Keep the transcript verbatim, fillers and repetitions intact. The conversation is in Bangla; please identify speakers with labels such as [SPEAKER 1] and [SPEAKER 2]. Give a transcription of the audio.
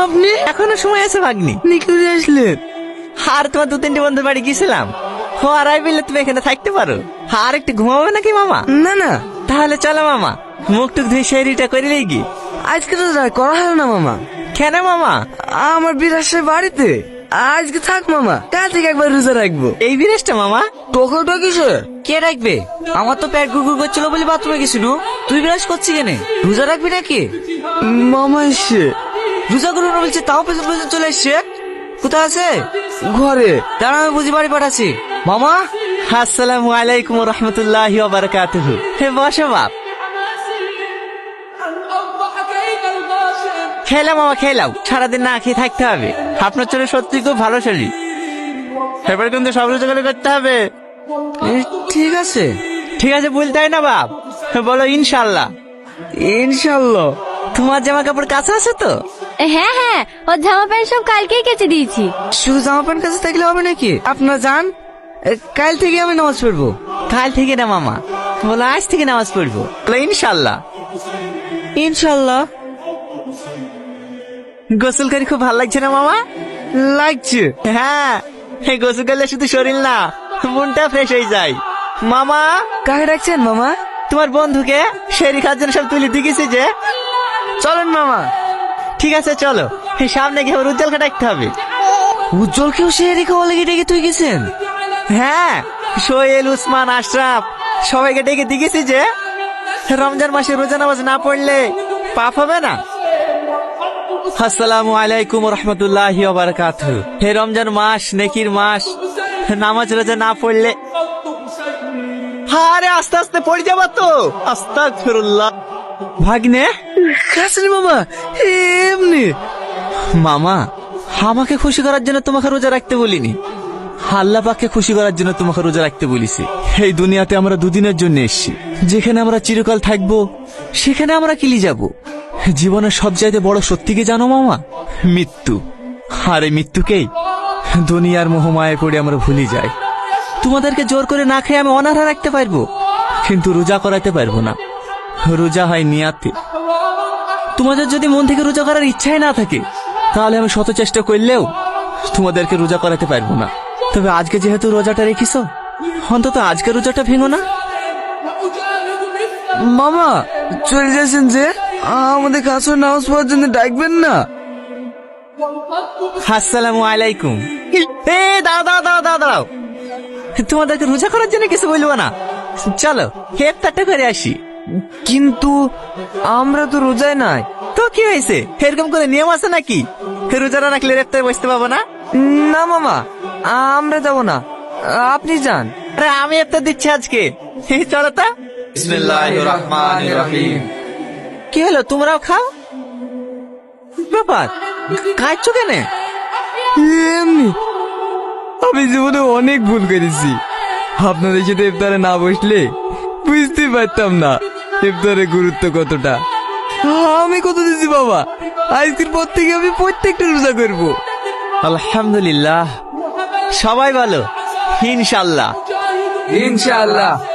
[SPEAKER 1] আপনি
[SPEAKER 2] এখনো সময় আছে ভাগ্নি।
[SPEAKER 1] নিকুরে আসলেন?
[SPEAKER 2] আর তোমার দু তিনটে বন্ধুর বাড়ি গেছিলাম, ও আর আই বললে তুমি এখানে থাকতে পারো। আর একটু ঘুমাবে নাকি মামা?
[SPEAKER 1] না না,
[SPEAKER 2] তাহলে চলো মামা, মুখ টুক ধুয়ে সেরিটা করে কি।
[SPEAKER 1] আজকে তো আর করা হলো না মামা।
[SPEAKER 2] কেন মামা?
[SPEAKER 1] আমার বিরাসের বাড়িতে আজকে থাক মামা, কাল থেকে একবার রোজা রাখবো।
[SPEAKER 2] এই বিরেশটা মামা
[SPEAKER 1] তোকে তো কিসে?
[SPEAKER 3] কে রাখবে? আমার তো পেট গুড়গুড় করছিল বলে বাথরুমে গেছিল। তুই বিরাজ করছি কেনে? রোজা রাখবি নাকি?
[SPEAKER 1] মামা এসে
[SPEAKER 3] রোজা করবো না বলছে, তাও পেছন পেছন চলে এসছে। কোথায় আছে?
[SPEAKER 1] ঘরে।
[SPEAKER 3] দাঁড়া, আমি বুঝি বাড়ি পাঠাচ্ছি। মামা,
[SPEAKER 2] আসসালামু আলাইকুম রহমতুল্লাহি ওয়া বারাকাতুহু। হে বসো বাপ। খেলাম মামা খেলাম, সারাদিন না খেয়ে থাকতে হবে। আপনার চলে সত্যি খুব ভালো শরীর, এবার কিন্তু সব রোজগার করতে হবে।
[SPEAKER 1] এ, ঠিক আছে।
[SPEAKER 2] ঠিক আছে বলতে হয় না বাপ, বলো ইনশাল্লাহ।
[SPEAKER 1] ইনশাল্লাহ।
[SPEAKER 2] তোমার জামা কাপড় কাছে আছে তো?
[SPEAKER 4] হ্যাঁ হ্যাঁ, ওর জামা প্যান্ট সব কালকেই কেচে দিয়েছি।
[SPEAKER 1] শুধু জামা প্যান্ট কাছে থাকলে হবে নাকি? আপনার যান, এ, কাল থেকে আমি নামাজ পড়বো।
[SPEAKER 2] কাল থেকে না মামা, বলো আজ থেকে নামাজ পড়বো। বলো ইনশাল্লাহ।
[SPEAKER 1] ইনশাল্লাহ।
[SPEAKER 2] গোসল করে খুব ভালো লাগছে না মামা?
[SPEAKER 1] লাগছে।
[SPEAKER 2] হ্যাঁ, এই গোসল করলে শুধু শরীর না, মনটা ফ্রেশ হয়ে যায়। মামা,
[SPEAKER 1] কাকে ডাকছেন মামা?
[SPEAKER 2] তোমার বন্ধুকে শেরি খাওয়ার জন্য সব তুলে দিয়েছি যে।
[SPEAKER 1] চলেন মামা।
[SPEAKER 2] ঠিক আছে চলো, এই সামনে গিয়ে আবার উজ্জ্বলকে ডাকতে হবে।
[SPEAKER 1] উজ্জ্বলকেও সে রেখে বলে ডেকে তুই গেছেন?
[SPEAKER 2] হ্যাঁ, সোহেল, উসমান, আশরাফ সবাইকে ডেকে দিয়েছি যে রমজান মাসে রোজা নামাজ না পড়লে পাপ হবে না। আসসালামু আলাইকুম রহমতুল্লাহি ওয়া বারাকাতুহু। হে রমজান মাস নেকির মাস, নামাজ রোজা না পড়লে। আরে আস্তে আস্তে পড়ে যাবো তো। আস্তাগফিরুল্লাহ। ভাগ্নে
[SPEAKER 1] কাছেন মামা, এমনি।
[SPEAKER 2] মামা, আমাকে খুশি করার জন্য তোমাকে রোজা রাখতে বলিনি, আল্লাহ পাককে খুশি করার জন্য তোমাকে রোজা রাখতে বলিছি। এই দুনিয়াতে আমরা দুদিনের জন্য এসেছি, যেখানে আমরা চিরকাল থাকবো সেখানে আমরা কিলি যাব। জীবনের সবচাইতে বড় সত্যি কি জানো মামা? মৃত্যু। আর এই মৃত্যুকেই দুনিয়ার মোহমায় পড়ে আমরা ভুলে যাই। তোমাদেরকে জোর করে না খেয়ে আমি অনাহার রাখতে পারবো, কিন্তু রোজা করাতে পারবো না। রোজা হয় নিয়াতে। তোমাদের যদি মন থেকে রোজা করার ইচ্ছাই না থাকে, তাহলে আমি শত চেষ্টা করলেও তোমাদেরকে রোজা করাতে পারবো না। তবে আজকে যেহেতু রোজাটা রেখিস, অন্তত আজকে রোজাটা ভেঙো না।
[SPEAKER 1] মামা চলে যাচ্ছেন যে, আমাদের কাছে নামাজ পড়ার জন্য ডাকবেন না?
[SPEAKER 2] আসসালামু আলাইকুম। এ দাও দাও দাও দাও দাও, তোমাদেরকে রোজা করার জন্য কিছু বলবো না, চলো ইফতারটা করে আসি।
[SPEAKER 1] কিন্তু আমরা তো রোজায় নাই।
[SPEAKER 2] তো কি হয়েছে, এরকম করে নিয়ম আছে নাকি? রোজা না রাখলে ইফতারে বসতে পাবো না?
[SPEAKER 1] না মামা, আমরা যাব না, আপনি যান।
[SPEAKER 2] আরে আমি ইফতার দিচ্ছি আজকে, চলো তো।
[SPEAKER 5] বিসমিল্লাহির রহমানির রহিম।
[SPEAKER 2] কি হলো, তোমরাও খাও? ব্যাপার, খাচ্ছ কেন?
[SPEAKER 1] এমনি, আমি জীবনে অনেক ভুল করেছি। আপনাদের সাথে ইফতারে না বসলে বুঝতে পারতাম না ইফতারের গুরুত্ব কতটা। আমি কত দিছি বাবা, আজকের পর থেকে আমি প্রত্যেকটা রোজা করব।
[SPEAKER 2] আলহামদুলিল্লাহ, সবাই ভালো ইনশাল্লাহ।
[SPEAKER 1] ইনশাআল্লাহ।